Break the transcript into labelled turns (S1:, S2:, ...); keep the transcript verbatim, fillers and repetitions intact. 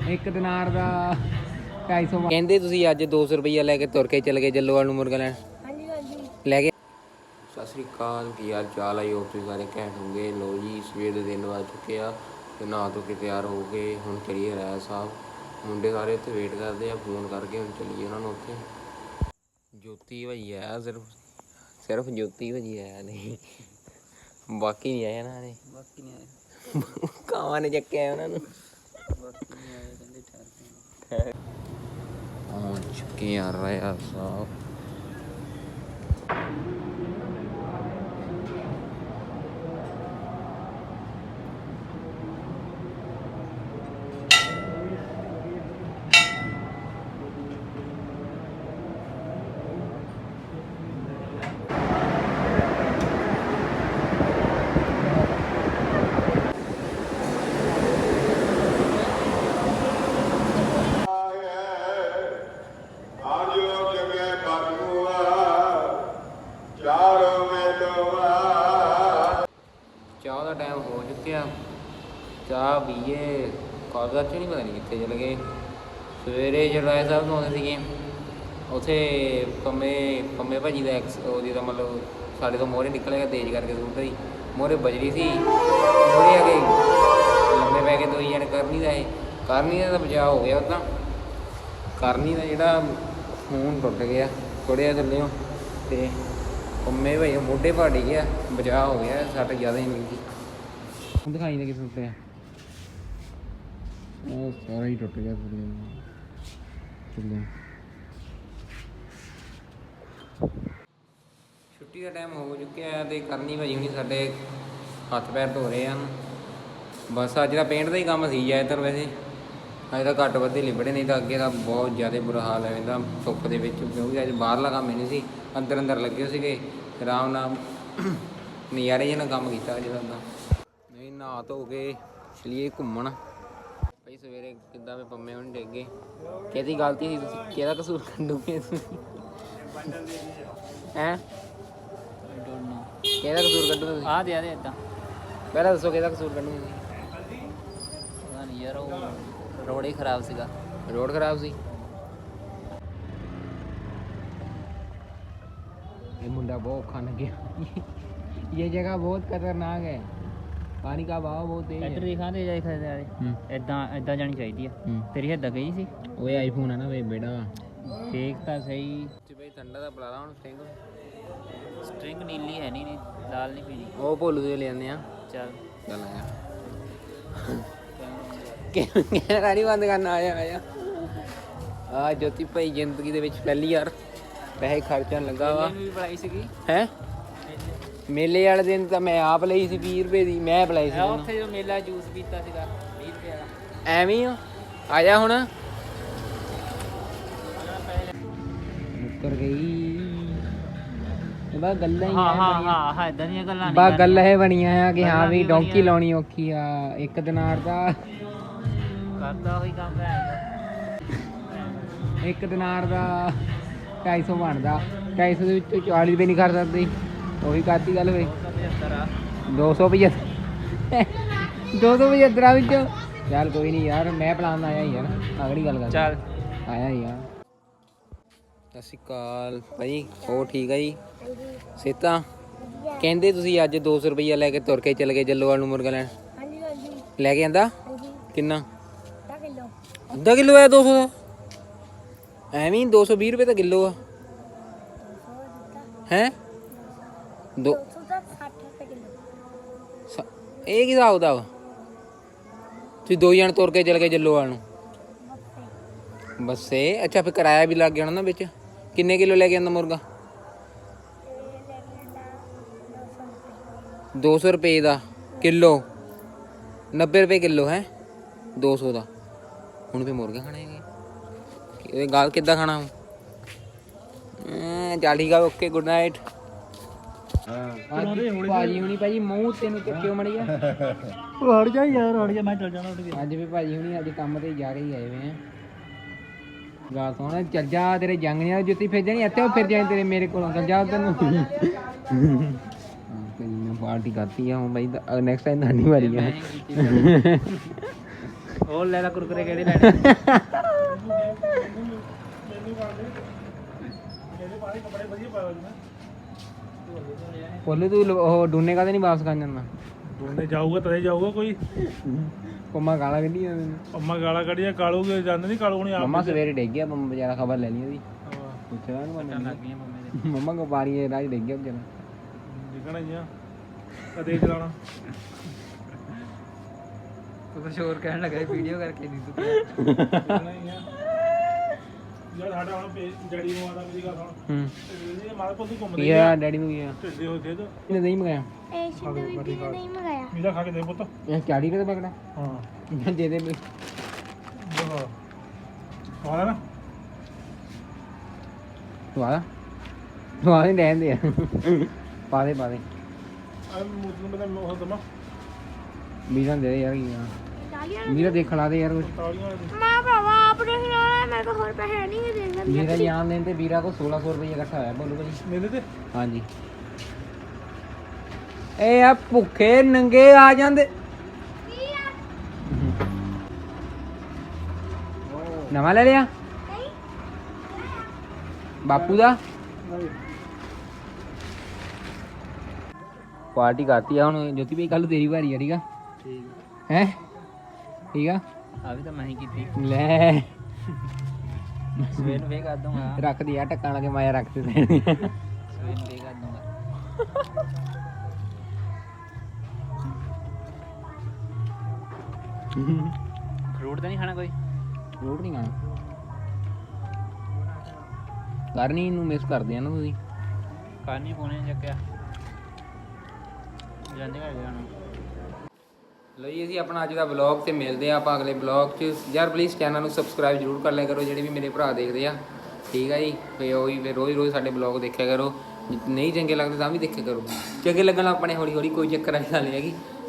S1: ਇੱਕ ਦਿਨਾਰ ਦਾ ਢਾਈ ਸੌ। ਕਹਿੰਦੇ ਤੁਸੀਂ ਅੱਜ ਦੋ ਸੌ ਰੁਪਈਆ ਲੈ ਕੇ ਤੁਰ ਕੇ ਚਲੇ ਗਏ ਜੱਲੋਵਾਲ ਨੂੰ ਮੁਰਗਾ ਲੈਣ।
S2: ਹਾਂਜੀ ਹਾਂਜੀ
S1: ਲੈ ਕੇ। ਸਤਿ ਸ਼੍ਰੀ ਅਕਾਲ, ਕੀ ਹਾਲ ਚਾਲ ਆਈ ਹੋਪ ਤੁਸੀਂ ਸਾਰੇ ਘੈਂਟ ਹੋਗੇ। ਲੋ ਜੀ ਸਵੇਰ ਦੇ ਦਿਨ ਵੱਜ ਚੁੱਕੇ ਆ ਤੇ ਨਹਾ ਧੋ ਕੇ ਤਿਆਰ ਹੋ ਗਏ। ਹੁਣ ਚਲੀਏ ਰਾਏ ਸਾਹਿਬ, ਮੁੰਡੇ ਸਾਰੇ ਉੱਥੇ ਵੇਟ ਕਰਦੇ ਆ, ਫੋਨ ਕਰਕੇ ਹੁਣ ਚਲੀਏ ਉਹਨਾਂ ਨੂੰ ਉੱਥੇ। ਜੋਤੀ ਭਾਈ ਆਇਆ, ਸਿਰਫ ਸਿਰਫ ਜੋਤੀ ਭਾਜੀ ਆਇਆ ਨਹੀਂ, ਬਾਕੀ ਨਹੀਂ ਆਇਆ ਇਹਨਾਂ ਨੇ। ਬਾਕੀ ਨਹੀਂ ਆਏ, ਕਾਵਾਂ ਨੇ ਚੱਕਿਆ ਉਹਨਾਂ ਨੂੰ। ਬਾਕੀ ਨਹੀਂ ਆਏ, ਕਹਿੰਦੇ ਠਹਿਰ ਕੇ ਪਹੁੰਚ ਚੁੱਕੇ ਆ ਰਾਇਆ ਸਾਹਿਬ। ਚਾਹ ਦਾ ਟਾਈਮ ਹੋ ਚੁੱਕਿਆ, ਚਾਹ ਪੀਏ। ਕਾਲਜ 'ਚ ਨਹੀਂ ਪਤਾ ਨਹੀਂ ਕਿੱਥੇ ਚਲੇ ਗਏ। ਸਵੇਰੇ ਜਰਾਏ ਸਾਹਿਬ ਤੋਂ ਆਉਂਦੇ ਸੀਗੇ, ਉੱਥੇ ਪੰਮੇ ਪੰਮੇ ਭਾਜੀ ਦਾ ਐਕਸ ਉਹਦੀ ਦਾ ਮਤਲਬ ਸਾਡੇ ਤੋਂ ਮੋਹਰੇ ਨਿਕਲੇਗਾ ਤੇਜ਼ ਕਰਕੇ ਸਕੂਟਰ ਦੀ ਮੋਹਰੇ ਬਜਰੀ ਸੀ। ਮੋਹਰੇ ਆ ਕੇ ਲੰਮੇ ਪੈ ਕੇ ਦੋਈ ਜਾਣੇ ਕਰਨੀ ਦਾ ਇਹ ਕਰਨੀ ਦਾ ਤਾਂ ਬਚਾਅ ਹੋ ਗਿਆ। ਉੱਦਾਂ ਕਰਨੀ ਦਾ ਜਿਹੜਾ ਖੂਨ ਟੁੱਟ ਗਿਆ ਥੋੜ੍ਹਾ ਜਿਹਾ ਥੱਲਿਓ, ਅਤੇ ਪੰਮੇ ਭਾਈ ਮੋਢੇ ਭਾੜ ਗਿਆ, ਬਚਾਅ ਹੋ ਗਿਆ, ਸੱਟ ਜ਼ਿਆਦਾ ਹੀ ਨਹੀਂ ਸੀ। ਦਿਖਾਈ ਦੇ ਕਿਸ ਟੁੱਟਿਆ, ਉਹ ਸਾਰਾ ਹੀ ਟੁੱਟ ਗਿਆ ਥੱਲੇ। ਛੁੱਟੀ ਦਾ ਟਾਈਮ ਹੋ ਚੁੱਕਿਆ ਅਤੇ ਕਰਨੀ ਭਾਜੀ ਹੁਣੀ ਸਾਡੇ ਹੱਥ ਪੈਰ ਧੋ ਰਹੇ ਹਨ। ਬਸ ਅੱਜ ਦਾ ਪੇਂਟ ਦਾ ਹੀ ਕੰਮ ਸੀ ਜ਼ਿਆਦਾਤਰ। ਵੈਸੇ ਅੱਜ ਤਾਂ ਘੱਟ ਵੱਧ ਹੀ ਲਿਬੜੇ, ਨਹੀਂ ਤਾਂ ਅੱਗੇ ਤਾਂ ਬਹੁਤ ਜ਼ਿਆਦਾ ਬੁਰਾ ਹਾਲ ਹੈ ਇਹਦਾ ਧੁੱਪ ਦੇ ਵਿੱਚ, ਕਿਉਂਕਿ ਅੱਜ ਬਾਹਰਲਾ ਕੰਮ ਹੀ ਨਹੀਂ ਸੀ, ਅੰਦਰ ਅੰਦਰ ਲੱਗੇ ਸੀਗੇ ਆਰਾਮ ਨਾਲ ਨਜ਼ਾਰੇ ਜਿਹੇ ਨਾਲ ਕੰਮ ਕੀਤਾ ਅੱਜ ਦਾ। ਨਹੀਂ ਨਹਾ ਧੋ ਕੇ ਚਲੀਏ ਘੁੰਮਣ। ਭਾਈ ਸਵੇਰੇ ਕਿੱਦਾਂ ਮੈਂ ਪੰਮੇ ਹੁਣ ਡਿੱਗ ਗਏ, ਕਿਹਦੀ ਗਲਤੀ ਸੀ? ਤੁਸੀਂ ਕਿਹਦਾ ਕਸੂਰ ਕੱਢੋਗੇ ਤੁਸੀਂ? ਹੈਂ ਕਿਹਦਾ ਕਸੂਰ ਕੱਢੋਗੇ ਤੁਸੀਂ? ਆ ਦੇ ਆ ਦੇ ਇੱਦਾਂ ਪਹਿਲਾਂ ਦੱਸੋ ਕਿਹਦਾ ਕਸੂਰ ਕੱਢੋਗੇ ਤੁਸੀਂ? ਪਤਾ ਨਹੀਂ ਯਾਰ, ਉਹ ਰੋਡ ਹੀ ਖਰਾਬ ਸੀਗਾ। ਰੋਡ ਖਰਾਬ ਸੀ? ये मुंडा बहुत खाने गया। ये जगह बहुत खतरनाक है, पानी का बहाव बहुत तेज है।
S3: ਇੱਧਰ ਦਿਖਾ ਦੇ ਜਾਈ ਖਦੇ ਵਾਲੇ ਇਦਾਂ ਇਦਾਂ ਜਾਣੀ ਚਾਹੀਦੀ ਆ। ਤੇਰੀ ਹੱਦ ਗਈ ਸੀ।
S1: ਓਏ ਆਈਫੋਨ ਹੈ ਨਾ ਵੇ ਬੇੜਾ,
S3: ਠੀਕ ਤਾਂ ਸਹੀ।
S1: ਤੇ ਬਈ ਠੰਡਾ ਦਾ ਬੁਲਾ ਲਾ ਹੁਣ। ਸਟ੍ਰਿੰਗ
S3: ਸਟ੍ਰਿੰਗ ਨੀਲੀ ਹੈ ਨਹੀਂ, ਲਾਲ ਨਹੀਂ ਪੀਣੀ।
S1: ਉਹ ਭੋਲੂ ਦੇ ਲੈ ਆਉਂਦੇ ਆ।
S3: ਚੱਲ
S1: ਚੱਲ ਆਇਆ ਕੈਮਰਾ ਨਹੀਂ ਬੰਦ ਕਰਨਾ। ਆਇਆ ਆਇਆ ਆ ਜੋਤੀ ਭਾਈ ਜ਼ਿੰਦਗੀ ਦੇ ਵਿੱਚ ਪਹਿਲੀ ਵਾਰ ਪੈਸੇ ਖਰਚਣ ਲੱਗਾ ਵਾ।
S3: ਵੀ ਪੜਾਈ ਸੀਗੀ
S1: ਹੈ ਮੇਲੇ ਵਾਲੇ ਦਿਨ ਤਾਂ ਮੈਂ ਆਪ ਲਈ ਸੀ ਵੀਹ ਰੁਪਏ ਦੀ, ਮੈਂ ਪਲਾਈ ਸੀ
S3: ਉੱਥੇ ਜੋ ਮੇਲਾ ਜੂਸ ਪੀਤਾ ਸੀਗਾ ਵੀਹ ਰੁਪਏ ਦਾ।
S1: ਐਵੇਂ ਹੀ ਆ ਜਾ ਹੁਣ। ਮੁੱਕਰ ਗਈ ਬਸ ਗੱਲਾਂ ਹੀ।
S3: ਹਾਂ ਹਾਂ ਹਾਂ ਹਾਂ ਇਦਾਂ ਦੀਆਂ ਗੱਲਾਂ ਨਹੀਂ
S1: ਬਸ ਗੱਲ ਇਹ ਬਣੀਆਂ ਆ ਕਿ ਹਾਂ ਵੀ ਡੌਂਕੀ ਲਾਉਣੀ ਔਖੀ ਆ। ਇੱਕ ਦਿਨਾਰ ਦਾ
S3: ਕਰਦਾ ਉਹੀ ਕੰਮ ਹੈ।
S1: ਇੱਕ ਦਿਨਾਰ ਦਾ ਢਾਈ ਸੌ ਬਣਦਾ, ਢਾਈ ਸੌ ਦੇ ਵਿੱਚੋਂ ਚਾਲੀ ਰੁਪਏ ਨਹੀਂ ਕਰ ਸਕਦੇ। ਉਹੀ ਕਰਤੀ ਗੱਲ ਹੋਈ। ਦੋ ਸੌ ਪਝੱਤਰ ਦੋ ਸੌ ਪਝੱਤਰਾਂ ਵਿੱਚੋਂ ਚੱਲ ਕੋਈ ਨਹੀਂ ਯਾਰ, ਮੈਂ ਪਲਾਨ ਆਇਆ ਯਾਰ, ਅਗਲੀ ਗੱਲ ਕਰ।
S3: ਚੱਲ
S1: ਆਇਆ ਯਾਰ। ਸਤਿ ਸ਼੍ਰੀ ਅਕਾਲ ਭਾਈ, ਹੋਰ ਠੀਕ ਆ ਜੀ? ਸਿਹਤਾਂ? ਕਹਿੰਦੇ ਤੁਸੀਂ ਅੱਜ ਦੋ ਸੌ ਰੁਪਈਆ ਲੈ ਕੇ ਤੁਰ ਕੇ ਚਲੇ ਗਏ ਜੱਲੋਵਾਲ ਨੂੰ ਮੁਰਗਾ ਲੈਣ।
S2: ਹਾਂਜੀ ਹਾਂਜੀ
S1: ਲੈ ਕੇ ਆਂਦਾ
S2: ਹਾਂਜੀ
S1: ਕਿੰਨਾ?
S2: ਅੱਧਾ ਕਿਲੋ।
S1: ਅੱਧਾ ਕਿਲੋ ਆ? ਦੋ ਸੌ ਦਾ ਐਵੇਂ ਹੀ? ਦੋ ਸੌ ਵੀਹ ਰੁਪਏ ਤਾਂ ਕਿਲੋ ਆ। ਹੈਂ ਦੋ
S2: ਸੱਠ ਰੁਪਏ ਕਿਲੋ।
S1: ਇਹ ਕੀ ਹਿਸਾਬ ਦਾ ਵਾ? ਤੁਸੀਂ ਦੋ ਜਣ ਤੁਰ ਕੇ ਚਲੇ ਗਏ ਜੱਲੋਵਾਲ ਨੂੰ ਬੱਸੇ? ਅੱਛਾ ਫਿਰ ਕਿਰਾਇਆ ਵੀ ਲੱਗ ਗਿਆ ਹੋਣਾ ਨਾ ਵਿੱਚ। ਕਿੰਨੇ ਕਿਲੋ ਲੈ ਕੇ ਆਂਦਾ ਮੁਰਗਾ? ਦੋ ਸੌ ਰੁਪਏ ਦਾ ਕਿਲੋ, ਨੱਬੇ ਰੁਪਏ ਕਿਲੋ ਹੈ ਦੋ ਸੌ ਦਾ। ਹੁਣ ਫਿਰ ਮੁਰਗਾ ਖਾਣਾ ਹੈਗਾ, ਇਹ ਗੱਲ ਕਿੱਦਾਂ ਖਾਣਾ ਹੁਣ? ਚੱਲ ਠੀਕ ਆ, ਓਕੇ ਗੁੱਡ ਨਾਈਟ। ਭਾਜੀ ਹੁਣੀ ਭਾਜੀ ਮੂੰਹ ਤੈਨੂੰ ਚੱਕਿਓ ਮੜੀ ਆ।
S3: ਹਟ ਜਾ ਯਾਰ, ਹਟ ਜਾ, ਮੈਂ ਚੱਲ ਜਾਣਾ।
S1: ਅੱਜ ਵੀ ਭਾਜੀ ਹੁਣੀ ਅੱਜ ਕੰਮ ਤੇ ਜਾ ਕੇ ਆਏ ਹੋਏ ਆ। ਗੱਲ ਸੁਣ, ਚੱਲ ਜਾ, ਤੇਰੇ ਜੰਗ ਨਹੀਂ ਜੁੱਤੀ ਫਿਰ ਜਾਣੀ ਇੱਥੇ, ਉਹ ਫਿਰ ਜਾਣੀ ਤੇਰੇ ਮੇਰੇ ਕੋਲੋਂ। ਚੱਲ ਜਾ ਤੈਨੂੰ ਪਾਰਟੀ ਕਰਤੀ ਆ ਹੁਣ ਬਾਈ, ਨੈਕਸਟ ਟਾਈਮ ਤੁਹਾਡੀ ਵਾਰੀ ਆ।
S3: ਉਹ ਲੈ ਲੈ ਕੁਰਕਰੇ ਕਿਹੜੇ ਲੈਣੇ
S1: ਬੋਲੇ ਤੂੰ ਉਹ ਡੂਨੇ ਕਾਹਦੇ ਨਹੀਂ ਵਾਪਸ ਕਰ ਜਾਂਦਾ
S4: ਦੋਨੇ ਜਾਊਗਾ ਤਦੇ ਜਾਊਗਾ ਕੋਈ
S1: ਪੰਮਾ ਗਾਲਾਂ ਕੱਢੀ ਜਾਂਦੇ ਨੇ
S4: ਅੰਮਾ ਗਾਲਾਂ ਕੱਢੀਆਂ ਕਾਲੂ ਕੇ ਜਾਂਦੇ ਨਹੀਂ ਕਾਲੂ ਨਹੀਂ ਆਪ
S1: ਮੰਮਾ ਸਵੇਰੇ ਡਿੱਗ ਗਿਆ ਪੰਮਾ ਵਿਚਾਰਾ ਖਬਰ ਲੈ ਲਈ ਉਹਦੀ
S4: ਹਾਂ,
S1: ਪੁੱਛਿਆ ਉਹਨੂੰ
S3: ਲੱਗ
S1: ਮੰਨ
S3: ਗਈਆਂ ਮੰਮੇ ਦੇ
S1: ਮੰਮਾ ਕੋ ਪਾਰੀ ਹੈ ਰਾਜ ਡਿੱਗ ਗਿਆ ਵਿਚਾਰਾ
S4: ਦਿਖਣਾ ਹੀ ਆ ਕਦੇ ਚਲਾਉਣਾ
S3: ਤੂੰ ਕੁਝ ਹੋਰ ਕਹਿਣ ਲੱਗਾ ਵੀਡੀਓ ਕਰਕੇ ਨਹੀਂ ਤੂੰ
S4: ਦਿਖਣਾ ਹੀ ਆ ਯਾਰ ਸਾਡਾ ਹੁਣ ਪੇ- ਡੈਡੀ ਨੂੰ ਆਦਾ ਮੇਰੀ ਗੱਲ ਸੁਣ
S1: ਹੂੰ
S4: ਇਹ ਮਾਰੇ ਪੁੱਤ ਘੁੰਮਦੇ
S1: ਕੀ ਆ ਡੈਡੀ ਨੂੰ ਕੀ ਆ
S4: ਢਿੱਡੇ ਹੋ ਦੇ ਦੋ
S1: ਇਹਨੇ ਨਹੀਂ ਮੰਗਾਇਆ
S2: ਇਹ ਸ਼ਿੰਦੇ ਬੀਬੀ ਨੇ ਨਹੀਂ ਮੰਗਾਇਆ
S4: ਮੀਲਾ ਖਾ ਕੇ ਦੇ ਪੁੱਤ
S1: ਇਹ ਚਾੜੀ ਤੇ ਪਕੜਾ
S4: ਹਾਂ
S1: ਦੇ ਦੇ ਵੀ।
S4: ਬਹੁਤ ਆਲਾ ਨਾ
S1: ਵਾਹ ਵਾਹ ਨਹੀਂ ਰਹਿੰਦੇ ਆ ਪਾ ਦੇ ਪਾ ਦੇ
S4: ਆ ਮੂਤ ਨੂੰ ਮੈਂ ਉਹ ਦਮਾ
S1: ਵੀਰਾਂ ਦੇ ਦੇ ਯਾਰ ਕੀ ਆ
S2: ਤਾਲੀਆਂ
S1: ਵੀਰਾ ਦੇਖਣਾ ਦੇ ਯਾਰ ਕੁਛ
S4: ਤਾਲੀਆਂ ਵਾਲੇ ਦੀ।
S2: ਮਾਂ ਭਰਾਵਾ ਆਪਣੇ ਖਿਲਾਉਣਾ ਮੇਰੇ ਕੋਲ ਹੋਰ ਪੈਸੇ ਨਹੀਂ ਦੇਣਾ
S1: ਵੀਰਾ ਜਾਨ ਦੇਣ ਤੇ ਵੀਰਾ ਕੋ ਸੋਲਾਂ ਸੌ ਰੁਪਏ ਇਕੱਠਾ ਹੋਇਆ ਬੋਲੋ ਭਾਜੀ
S4: ਮੇਲੇ ਤੇ
S1: ਹਾਂਜੀ ਇਹ ਆ ਭੁੱਖੇ ਨੰਗੇ ਆ ਜਾਂਦੇ ਨਵਾਂ ਲੈ ਲਿਆ ਬਾਪੂ ਦਾ ਪਾਰਟੀ ਕਰਤੀ ਆ ਹੁਣ ਜੋਤੀ ਭਾਈ ਕੱਲ ਤੇਰੀ ਵਾਰੀ ਆ ਠੀਕ ਆ
S3: ਠੀਕ
S1: ਹੈ ਠੀਕ ਆ
S3: ਆ ਵੀ ਤਾਂ ਮੈਂ ਹੀ ਕੀਤੀ
S1: ਲੈ
S3: ਸਵੇਰ ਨੂੰ ਫੇਰ ਕਰ ਦੂੰਗਾ
S1: ਰੱਖਦੀ ਆ ਟੱਕਾਂ ਲਾ ਕੇ ਮਾਇਆ ਰੱਖ ਤੇ ਦੇਣੀ
S3: ਸਵੇਰ ਨੂੰ ਫੇਰ ਕਰ ਦੂੰਗਾ ਫਰੂਟ ਤਾਂ ਨਹੀਂ ਖਾਣਾ ਕੋਈ
S1: ਰੋਟ ਨਹੀਂ ਖਾਣਾ ਕਰਨੀ ਨੂੰ ਮਿਸ ਕਰਦੇ ਆ ਨਾ ਤੁਸੀਂ
S3: ਕਾਨੀ ਪੋਣੇ ਚੱਕਿਆ ਜਾਂਦੇ ਘਰ ਜਾਣਾ
S1: ਲੋ ਜੀ ਅਸੀਂ ਆਪਣਾ ਅੱਜ ਦਾ ਵਲੌਗ ਤੇ ਮਿਲਦੇ ਆ ਆਪਾਂ ਅਗਲੇ ਵਲੌਗ 'ਚ ਯਾਰ ਪਲੀਜ਼ ਚੈਨਲ ਨੂੰ ਸਬਸਕ੍ਰਾਈਬ ਜ਼ਰੂਰ ਕਰ ਲਿਆ ਕਰੋ ਜਿਹੜੇ ਵੀ ਮੇਰੇ ਭਰਾ ਦੇਖਦੇ ਆ ਠੀਕ ਆ ਜੀ ਫੇ ਉਹੀ ਫਿਰ ਰੋਜ਼ ਰੋਜ਼ ਸਾਡੇ ਵਲੌਗ ਦੇਖਿਆ ਕਰੋ ਜੇ ਨਹੀਂ ਚੰਗੇ ਲੱਗਦੇ ਤਾਂ ਵੀ ਦੇਖਿਆ ਕਰੋ ਚੰਗੇ ਲੱਗਣ ਆਪਣੇ ਹੌਲੀ ਹੌਲੀ ਕੋਈ ਚੱਕਰ ਵਾਲੀ ਗੱਲ ਨਹੀਂ ਹੈਗੀ